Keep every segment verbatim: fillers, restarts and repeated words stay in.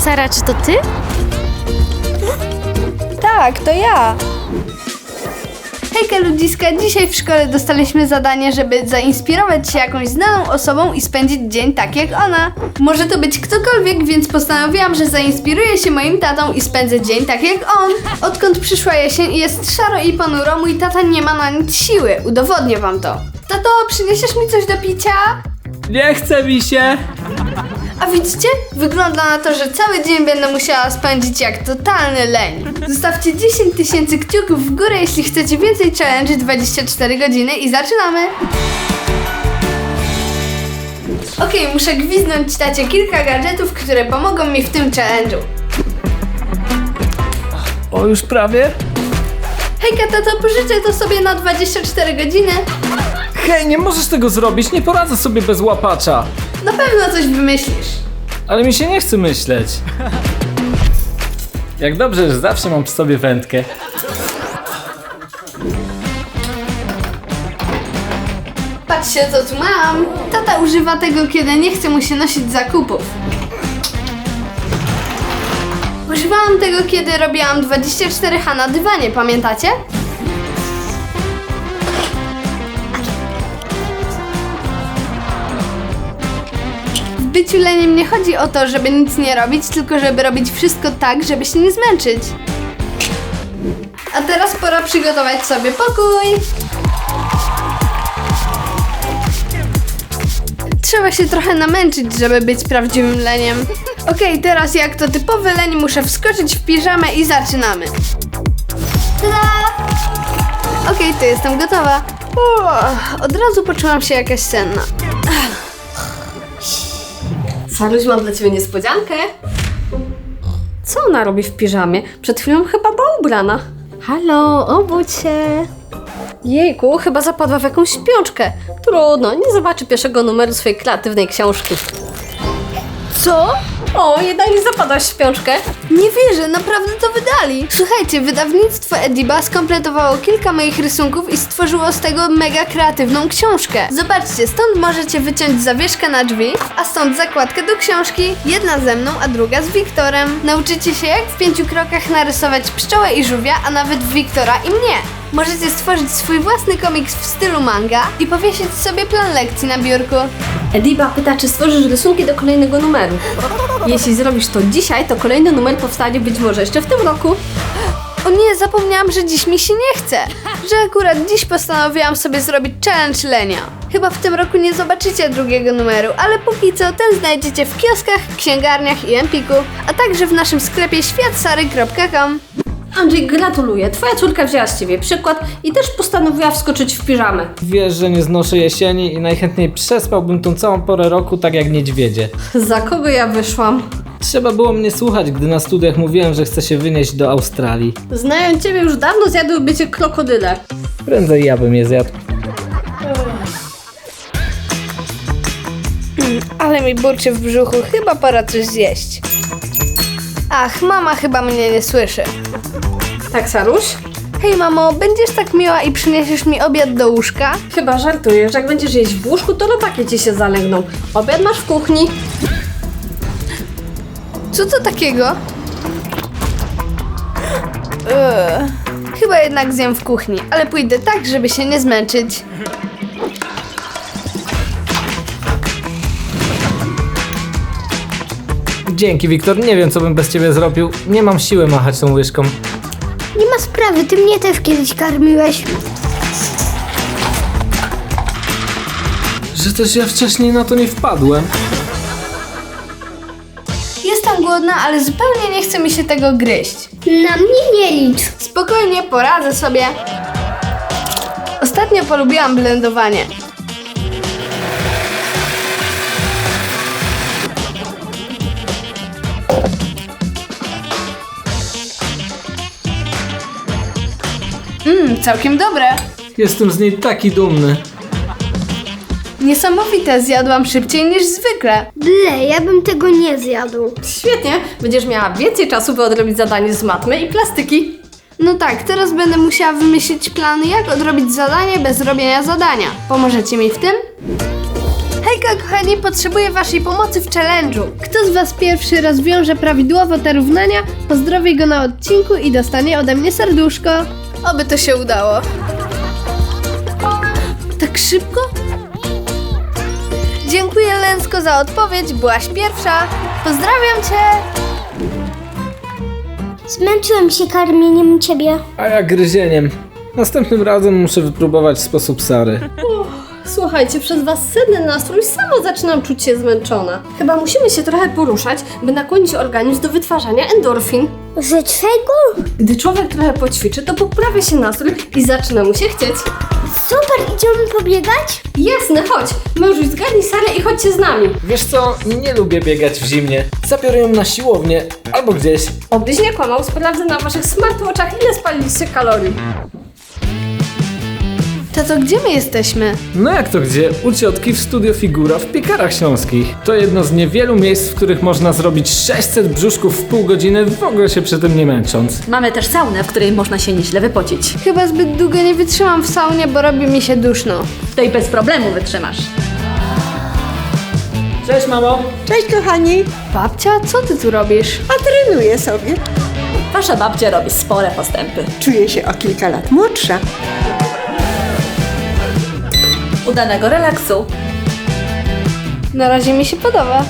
Sara, czy to ty? Tak, to ja. Hejka ludziska, dzisiaj w szkole dostaliśmy zadanie, żeby zainspirować się jakąś znaną osobą i spędzić dzień tak jak ona. Może to być ktokolwiek, więc postanowiłam, że zainspiruję się moim tatą i spędzę dzień tak jak on. Odkąd przyszła jesień i jest szaro i ponuro, mój tata nie ma na nic siły. Udowodnię wam to. Tato, przyniesiesz mi coś do picia? Nie chce mi się! A widzicie? Wygląda na to, że cały dzień będę musiała spędzić jak totalny leń. Zostawcie dziesięć tysięcy kciuków w górę, jeśli chcecie więcej challenge dwadzieścia cztery godziny i zaczynamy! Okej, okay, muszę gwizdnąć tacie kilka gadżetów, które pomogą mi w tym challenge'u. O, już prawie? Hejka tato, pożyczę to sobie na dwadzieścia cztery godziny. Hej, nie możesz tego zrobić, nie poradzę sobie bez łapacza. Na pewno coś wymyślisz. Ale mi się nie chce myśleć. Jak dobrze, że zawsze mam przy sobie wędkę. Patrzcie, co tu mam. Tata używa tego, kiedy nie chce mu się nosić zakupów. Używałam tego, kiedy robiłam dwadzieścia cztery H na dywanie, pamiętacie? W byciu leniem nie chodzi o to, żeby nic nie robić, tylko żeby robić wszystko tak, żeby się nie zmęczyć. A teraz pora przygotować sobie pokój. Trzeba się trochę namęczyć, żeby być prawdziwym leniem. Okej, okay, teraz jak to typowy leń muszę wskoczyć w piżamę i zaczynamy. Tada! Okej, okay, to jestem gotowa. Uff, od razu poczułam się jakaś senna. Saruś, mam dla ciebie niespodziankę. Co ona robi w piżamie? Przed chwilą chyba była ubrana. Halo, obudź się. Jejku, chyba zapadła w jakąś śpiączkę. Trudno, nie zobaczy pierwszego numeru swojej kreatywnej książki. Co? O, jednak nie zapadłaś w śpiączkę. Nie wierzę, naprawdę to wydali. Słuchajcie, wydawnictwo Ediba skompletowało kilka moich rysunków i stworzyło z tego mega kreatywną książkę. Zobaczcie, stąd możecie wyciąć zawieszkę na drzwi, a stąd zakładkę do książki. Jedna ze mną, a druga z Wiktorem. Nauczycie się, jak w pięciu krokach narysować pszczołę i żółwia, a nawet Wiktora i mnie. Możecie stworzyć swój własny komiks w stylu manga i powiesić sobie plan lekcji na biurku. Ediba pyta, czy stworzysz rysunki do kolejnego numeru. Jeśli zrobisz to dzisiaj, to kolejny numer powstanie być może jeszcze w tym roku. O nie, zapomniałam, że dziś mi się nie chce. Że akurat dziś postanowiłam sobie zrobić challenge lenia. Chyba w tym roku nie zobaczycie drugiego numeru, ale póki co ten znajdziecie w kioskach, księgarniach i Empiku, a także w naszym sklepie świat sary kropka com. Andrzej, gratuluję. Twoja córka wzięła z ciebie przykład i też postanowiła wskoczyć w piżamę. Wiesz, że nie znoszę jesieni i najchętniej przespałbym tą całą porę roku tak jak niedźwiedzie. Za kogo ja wyszłam? Trzeba było mnie słuchać, gdy na studiach mówiłem, że chcę się wynieść do Australii. Znając ciebie, już dawno zjadłyby cię krokodyle. Prędzej ja bym je zjadł. Ale mi burczy w brzuchu, chyba pora coś zjeść. Ach, mama chyba mnie nie słyszy. Tak, Saruś? Hej mamo, będziesz tak miła i przyniesiesz mi obiad do łóżka? Chyba żartujesz. Jak będziesz jeść w łóżku, to robaki ci się zalęgną. Obiad masz w kuchni. Co to takiego? Ugh. Chyba jednak zjem w kuchni, ale pójdę tak, żeby się nie zmęczyć. Dzięki, Wiktor. Nie wiem, co bym bez ciebie zrobił. Nie mam siły machać tą łyżką. Nie ma sprawy, ty mnie też kiedyś karmiłeś. Że też ja wcześniej na to nie wpadłem. Jestem głodna, ale zupełnie nie chce mi się tego gryźć. Na mnie nie licz. Spokojnie, poradzę sobie. Ostatnio polubiłam blendowanie. Mmm, całkiem dobre. Jestem z niej taki dumny. Niesamowite, zjadłam szybciej niż zwykle. Ble, ja bym tego nie zjadł. Świetnie, będziesz miała więcej czasu, by odrobić zadanie z matmy i plastyki. No tak, teraz będę musiała wymyślić plan, jak odrobić zadanie bez robienia zadania. Pomożecie mi w tym? Hej Trójka, kochani, potrzebuje waszej pomocy w challenge'u. Kto z was pierwszy rozwiąże prawidłowo te równania, pozdrowi go na odcinku i dostanie ode mnie serduszko. Oby to się udało. Tak szybko? Dziękuję, Lensko, za odpowiedź. Byłaś pierwsza. Pozdrawiam cię. Zmęczyłem się karmieniem ciebie. A ja gryzieniem. Następnym razem muszę wypróbować sposób Sary. Słuchajcie, przez was senny nastrój samo zaczynam czuć się zmęczona. Chyba musimy się trochę poruszać, by nakłonić organizm do wytwarzania endorfin. Że czego? Gdy człowiek trochę poćwiczy, to poprawia się nastrój i zaczyna mu się chcieć. Super, idziemy pobiegać? Jasne, chodź. Mężuś, zgadnij Sarę i chodźcie z nami. Wiesz co, nie lubię biegać w zimnie. Zabiorę ją na siłownię albo gdzieś. Obyś nie kłamał, sprawdzę na waszych smartwatchach, ile spaliliście kalorii. Tato, gdzie my jesteśmy? No jak to gdzie? U ciotki w Studio Figura w Piekarach Śląskich. To jedno z niewielu miejsc, w których można zrobić sześćset brzuszków w pół godziny, w ogóle się przy tym nie męcząc. Mamy też saunę, w której można się nieźle wypocić. Chyba zbyt długo nie wytrzymam w saunie, bo robi mi się duszno. To i bez problemu wytrzymasz. Cześć mamo! Cześć kochani, Babcia, co ty tu robisz? a trenuję sobie. Wasza babcia robi spore postępy. Czuję się o kilka lat młodsza. Udanego relaksu. Na razie mi się podoba.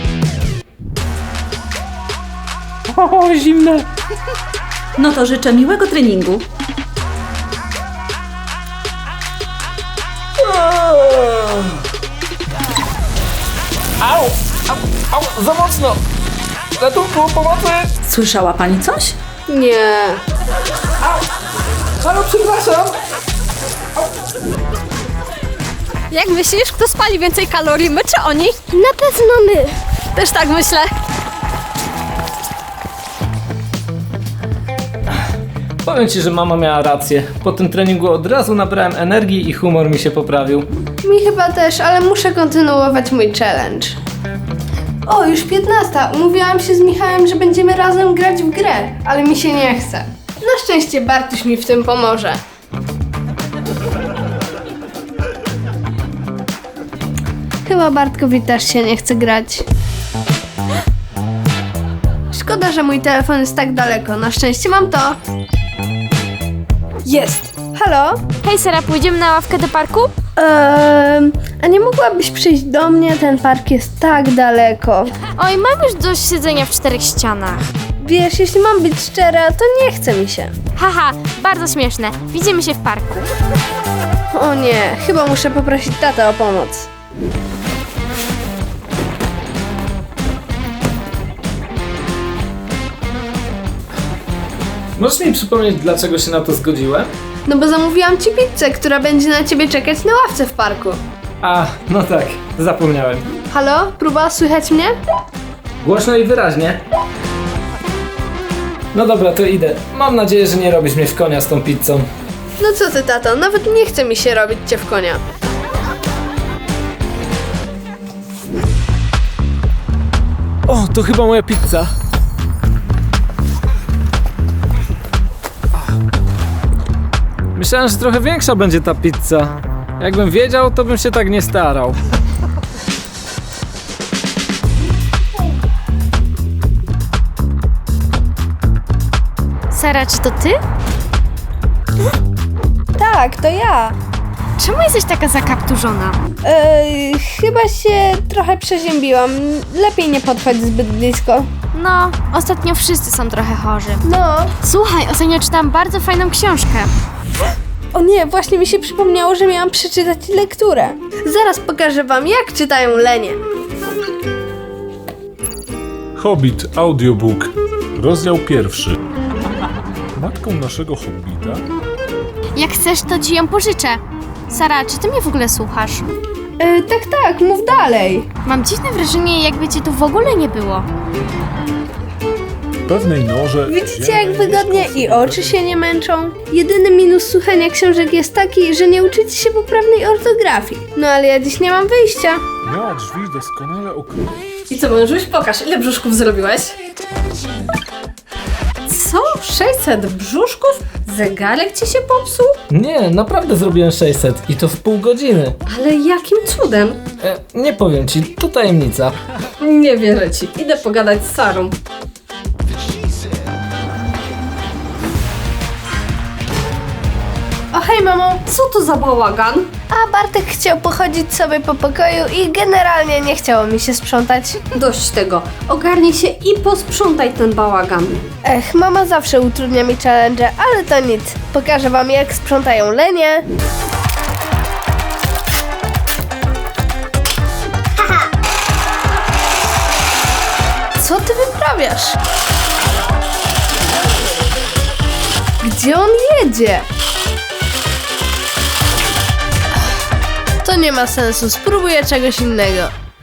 O, zimne! No to życzę miłego treningu. Au! Au! Au! Za mocno! Ratunku, pomocy! Słyszała pani coś? Nie. Halo, przepraszam! Jak myślisz, kto spali więcej kalorii, my czy oni? Na pewno my. Też tak myślę. Powiem ci, że mama miała rację. Po tym treningu od razu nabrałem energii i humor mi się poprawił. Mi chyba też, ale muszę kontynuować mój challenge. O, już piętnasta. Umówiłam się z Michałem, że będziemy razem grać w grę, ale mi się nie chce. Na szczęście Bartuś mi w tym pomoże. Chyba Bartkowi też się nie chce grać. Szkoda, że mój telefon jest tak daleko. Na szczęście mam to. Jest. Halo? Hej Sara, pójdziemy na ławkę do parku? Eee, a nie mogłabyś przyjść do mnie? Ten park jest tak daleko. Oj, mam już dość siedzenia w czterech ścianach. Wiesz, jeśli mam być szczera, to nie chce mi się. Haha, bardzo śmieszne. Widzimy się w parku. O nie, chyba muszę poprosić tatę o pomoc. Możesz mi przypomnieć, dlaczego się na to zgodziłem? No bo zamówiłam ci pizzę, która będzie na ciebie czekać na ławce w parku. A, no tak, zapomniałem. Halo? Próba słychać mnie? Głośno i wyraźnie. No dobra, to idę. Mam nadzieję, że nie robisz mnie w konia z tą pizzą. No co ty, tato, nawet nie chce mi się robić cię w konia. O, to chyba moja pizza. Myślałem, że trochę większa będzie ta pizza. Jakbym wiedział, to bym się tak nie starał. Sara, czy to ty? Tak, to ja. Czemu jesteś taka zakapturzona? Eee, chyba się trochę przeziębiłam. Lepiej nie podchodź zbyt blisko. No, ostatnio wszyscy są trochę chorzy. No. Słuchaj, ostatnio czytałam bardzo fajną książkę. O nie, właśnie mi się przypomniało, że miałam przeczytać lekturę. Zaraz pokażę wam, jak czytają lenie. Hobbit Audiobook, rozdział pierwszy. Matką naszego hobbita Jak chcesz, to ci ją pożyczę. Sara, czy ty mnie w ogóle słuchasz? Eee, tak, tak, mów dalej. Mam dziwne wrażenie, jakby cię tu w ogóle nie było. pewnej norze... Widzicie, jak wygodnie i oczy się nie męczą? Jedyny minus słuchania książek jest taki, że nie uczycie się poprawnej ortografii. No ale ja dziś nie mam wyjścia. Miała drzwi doskonale okrojone. I co, mężuś, pokaż, ile brzuszków zrobiłeś? Co? sześćset brzuszków? Zegarek ci się popsuł? Nie, naprawdę zrobiłem sześćset i to w pół godziny. Ale jakim cudem? E, nie powiem ci, to tajemnica. Nie wierzę ci. Idę pogadać z Sarą. O hej mamo, co to za bałagan? A Bartek chciał pochodzić sobie po pokoju i generalnie nie chciało mi się sprzątać. Dość tego. Ogarnij się i posprzątaj ten bałagan. Ech, mama zawsze utrudnia mi challenge, ale to nic. Pokażę wam jak sprzątają lenie. Co ty wyprawiasz? Gdzie on jedzie? To nie ma sensu, spróbuję czegoś innego.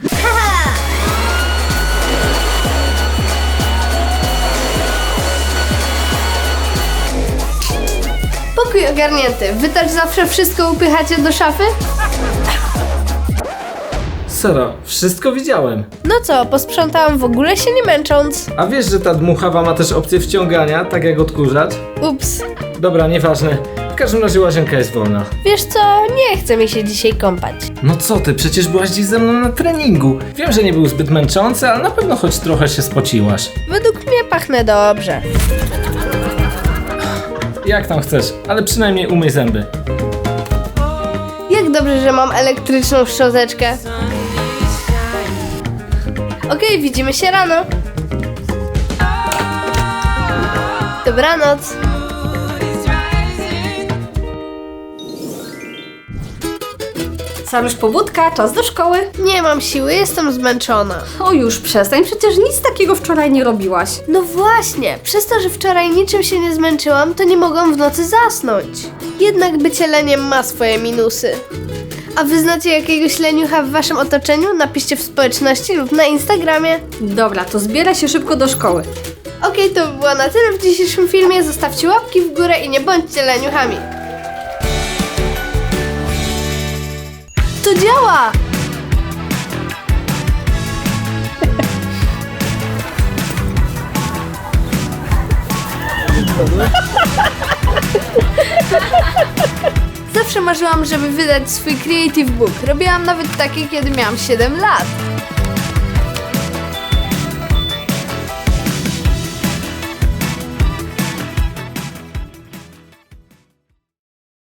Pokój ogarnięty. Wy też zawsze wszystko upychacie do szafy? Sara, wszystko widziałem. No co, posprzątałam w ogóle się nie męcząc. A wiesz, że ta dmuchawa ma też opcję wciągania, tak jak odkurzacz? Ups. Dobra, nieważne. W każdym razie łazienka jest wolna. Wiesz co, nie chce mi się dzisiaj kąpać. No co ty, przecież byłaś dziś ze mną na treningu. Wiem, że nie był zbyt męczący, ale na pewno choć trochę się spociłaś. Według mnie pachnę dobrze. Jak tam chcesz, ale przynajmniej umyj zęby. Jak dobrze, że mam elektryczną szczoteczkę. Okej, widzimy się rano. Dobranoc. Saruś, pobudka, czas do szkoły. Nie mam siły, jestem zmęczona. O już przestań, przecież nic takiego wczoraj nie robiłaś. No właśnie, przez to, że wczoraj niczym się nie zmęczyłam, to nie mogłam w nocy zasnąć. Jednak bycie leniem ma swoje minusy. A wy znacie jakiegoś leniucha w waszym otoczeniu? Napiszcie w społeczności lub na Instagramie. Dobra, to zbieraj się szybko do szkoły. Okej, to by było na tyle w dzisiejszym filmie. Zostawcie łapki w górę i nie bądźcie leniuchami. To działa! Zawsze marzyłam, żeby wydać swój creative book. Robiłam nawet takie, kiedy miałam siedem lat.